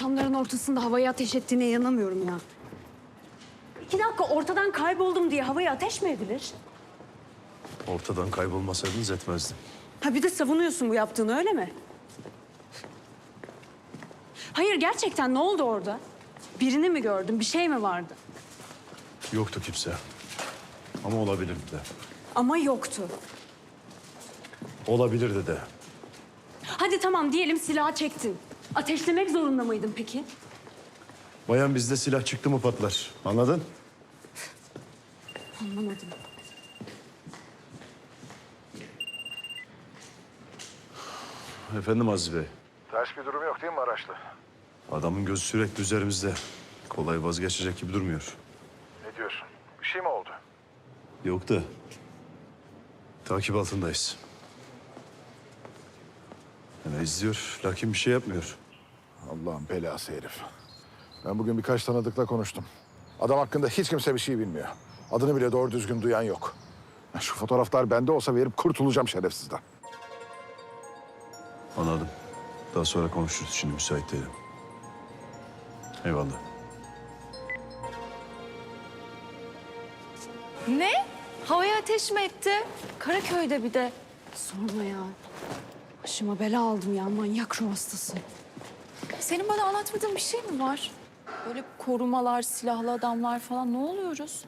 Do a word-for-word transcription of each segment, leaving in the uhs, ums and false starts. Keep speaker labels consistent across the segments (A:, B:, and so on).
A: İnsanların ortasında havaya ateş ettiğine inanamıyorum ya. İki dakika ortadan kayboldum diye havaya ateş mi edilir?
B: Ortadan kaybolmasaydınız etmezdim.
A: Ha bir de savunuyorsun bu yaptığını, öyle mi? Hayır, gerçekten ne oldu orada? Birini mi gördün, bir şey mi vardı?
B: Yoktu kimse. Ama olabilirdi de.
A: Ama yoktu.
B: Olabilirdi de.
A: Hadi tamam diyelim silahı çektin. Ateşlemek zorunda mıydın peki?
B: Bayan bizde silah çıktı mı patlar. Anladın?
A: Anlamadım.
B: Efendim Aziz Bey.
C: Ters bir durum yok değil mi Maraşlı?
B: Adamın gözü sürekli üzerimizde. Kolay vazgeçecek gibi durmuyor.
C: Ne diyorsun? Bir şey mi oldu?
B: Yok da. Takip altındayız. Yani izliyor, lakin bir şey yapmıyor.
C: Allah'ın belası herif. Ben bugün birkaç tanıdıkla konuştum. Adam hakkında hiç kimse bir şey bilmiyor. Adını bile doğru düzgün duyan yok. Ya şu fotoğraflar bende olsa verip kurtulacağım şerefsizden.
B: Anladım. Daha sonra konuşuruz. Şimdi müsait değilim. Eyvallah.
D: Ne? Havaya ateş mi etti? Karaköy'de bir de.
A: Sorma ya. Başıma bela aldım ya, manyak ruh hastası.
D: Senin bana anlatmadığın bir şey mi var? Böyle korumalar, silahlı adamlar falan, ne oluyoruz?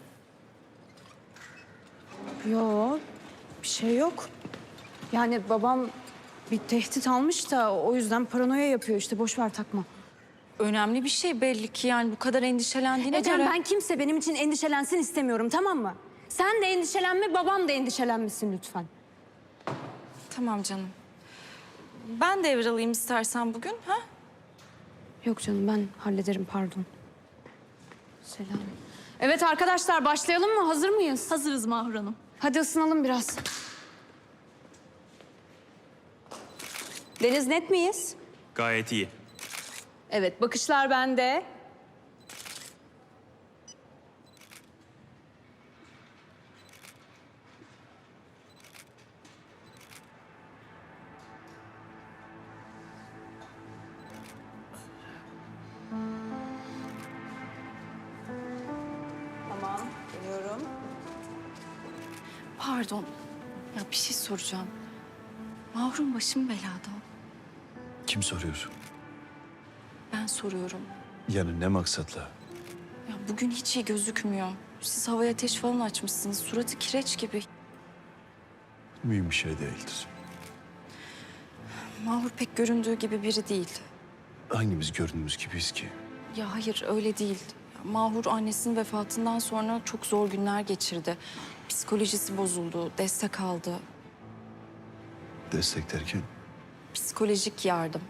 A: Yo, bir şey yok. Yani babam bir tehdit almış da o yüzden paranoya yapıyor işte. Boş ver, takma.
D: Önemli bir şey belli ki, yani bu kadar endişelendiğine
A: Ecem,
D: göre.
A: ben kimse benim için endişelensin istemiyorum, tamam mı? Sen de endişelenme, babam da endişelenmesin lütfen.
D: Tamam canım. Ben devralayım istersen bugün, ha?
A: Yok canım, ben hallederim, pardon. Selam. Evet arkadaşlar, başlayalım mı? Hazır mıyız?
D: Hazırız Mahur Hanım.
A: Hadi ısınalım biraz. Deniz, net miyiz?
E: Gayet iyi.
A: Evet, bakışlar bende. Tamam, geliyorum.
D: Pardon. Ya bir şey soracağım. Mahur'un başım belada.
B: Kim soruyor?
D: Ben soruyorum.
B: Yani ne maksatla?
D: Ya bugün hiç iyi gözükmüyor. Siz havaya ateş falan açmışsınız. Suratı kireç gibi.
B: Mühim bir şey değildir.
D: Mahur pek göründüğü gibi biri değil.
B: Hangimiz gördüğümüz gibiyiz ki?
D: Ya hayır, öyle değil. Ya Mahur annesinin vefatından sonra çok zor günler geçirdi. Psikolojisi bozuldu, destek aldı.
B: Destek derken?
D: Psikolojik yardım.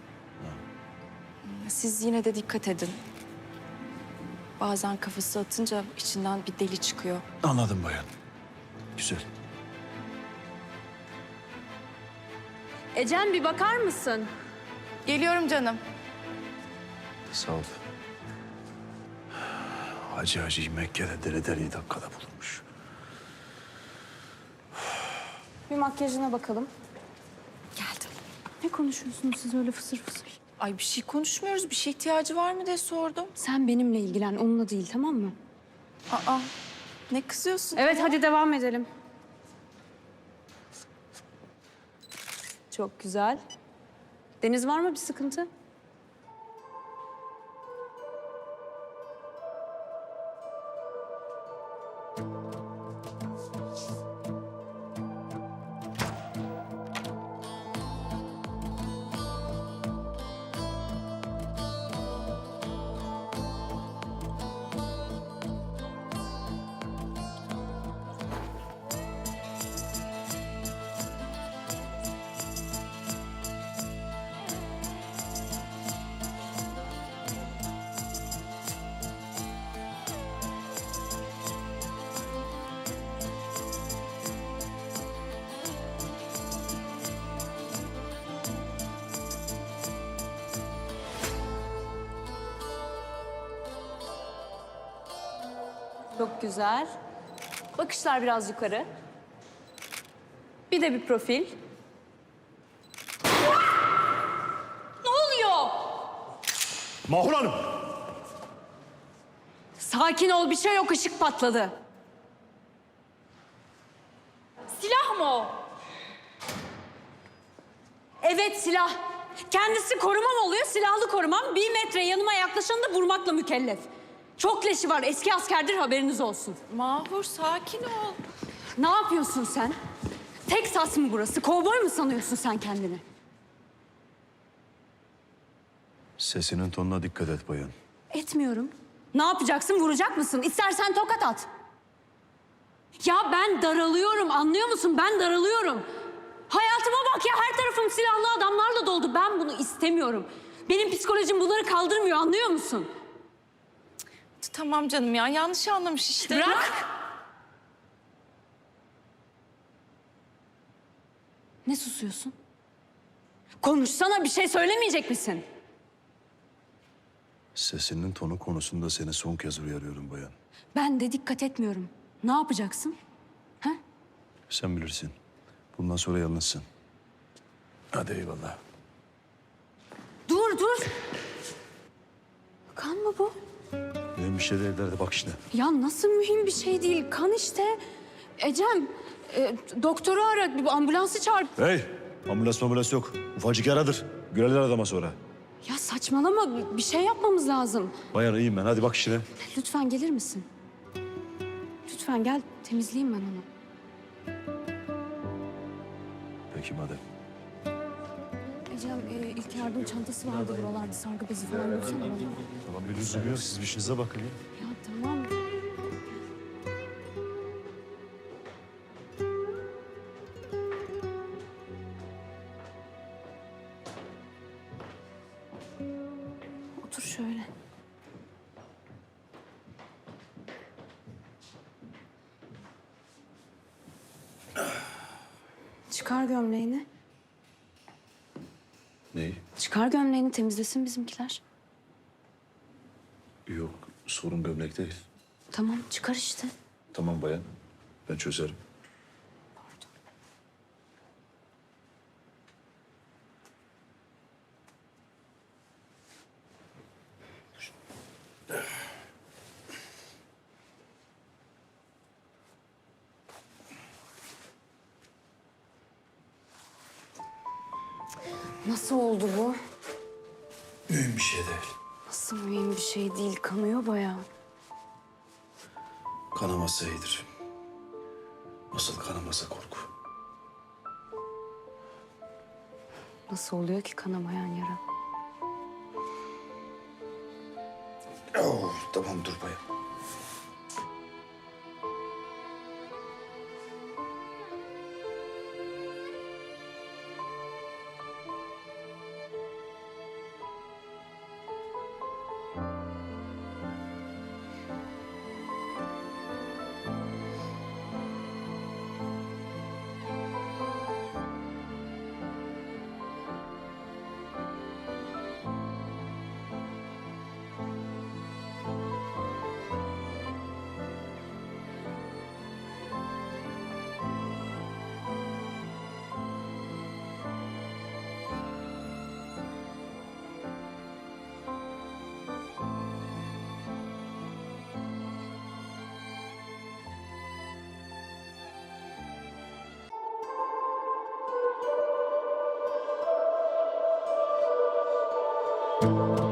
D: Siz yine de dikkat edin. Bazen kafası atınca içinden bir deli çıkıyor.
B: Anladım bayan. Güzel.
A: Ecem, bir bakar mısın?
D: Geliyorum canım.
B: Sağ ol. Hacı Hacı Mekke'de deli deliyi dakikada bulunmuş.
A: Bir makyajına bakalım.
D: Geldim.
A: Ne konuşuyorsunuz siz öyle fısır fısır?
D: Ay bir şey konuşmuyoruz. Bir şey ihtiyacı var mı diye sordum.
A: Sen benimle ilgilen, onunla değil, tamam mı?
D: Aa, ne kızıyorsun?
A: Evet, hadi devam edelim. Çok güzel. Deniz, var mı bir sıkıntı? Çok güzel. Bakışlar biraz yukarı. Bir de bir profil. Ne oluyor?
B: Mahur Hanım!
A: Sakin ol, bir şey yok, ışık patladı. Silah mı o? Evet, silah. Kendisi korumam oluyor, silahlı korumam. Bir metre yanıma yaklaşanı da vurmakla mükellef. Çok leşi var, eski askerdir, haberiniz olsun.
D: Mahur sakin ol.
A: Ne yapıyorsun sen? Teksas mı burası? Kovboy mu sanıyorsun sen kendini?
B: Sesinin tonuna dikkat et bayan.
A: Etmiyorum. Ne yapacaksın? Vuracak mısın? İstersen tokat at. Ya ben daralıyorum, anlıyor musun? Ben daralıyorum. Hayatıma bak ya, her tarafım silahlı adamlarla doldu. Ben bunu istemiyorum. Benim psikolojim bunları kaldırmıyor, anlıyor musun?
D: Tamam canım ya, yanlış anlamış işte.
A: Bırak. Ne susuyorsun? Konuşsana, bir şey söylemeyecek misin?
B: Sesinin tonu konusunda seni son kez uyarıyorum bayan.
A: Ben de dikkat etmiyorum. Ne yapacaksın? Ha?
B: Sen bilirsin. Bundan sonra yalnızsın. Hadi eyvallah.
A: Dur, dur. Kan mı bu?
B: Benim bir şey değil derdi bak işte.
A: Ya nasıl mühim bir şey değil? Kan işte. Ecem, e, doktoru ara, bir ambulansı çağır.
B: Hey! Ambulans ambulans yok. Ufacık yaradır. Göreler adama sonra.
A: Ya saçmalama, bir şey yapmamız lazım.
B: Bayan iyiyim ben. Hadi bak işine.
A: Lütfen gelir misin? Lütfen gel, temizleyeyim ben onu.
B: Peki madem.
A: Ecem, e, ilk yardım çantası vardı buralarda. Sargı bezi falan bulsana bana.
B: Tamam bir lüzum yok. Siz bir işinize bakın ya.
A: Ya tamam. Otur şöyle. Çıkar gömleğini.
B: Neyi?
A: Çıkar gömleğini, temizlesin bizimkiler.
B: Yok sorun gömlek değil.
A: Tamam, çıkar işte.
B: Tamam bayan. Ben çözerim.
A: Nasıl oldu bu?
B: Mühim bir şey değil.
A: Nasıl mühim bir şey değil, kanıyor bayağı.
B: Kanaması iyidir. Nasıl kanamasa korku.
A: Nasıl oluyor ki kanamayan yara?
B: Oh, tamam dur bayan.
E: Thank you.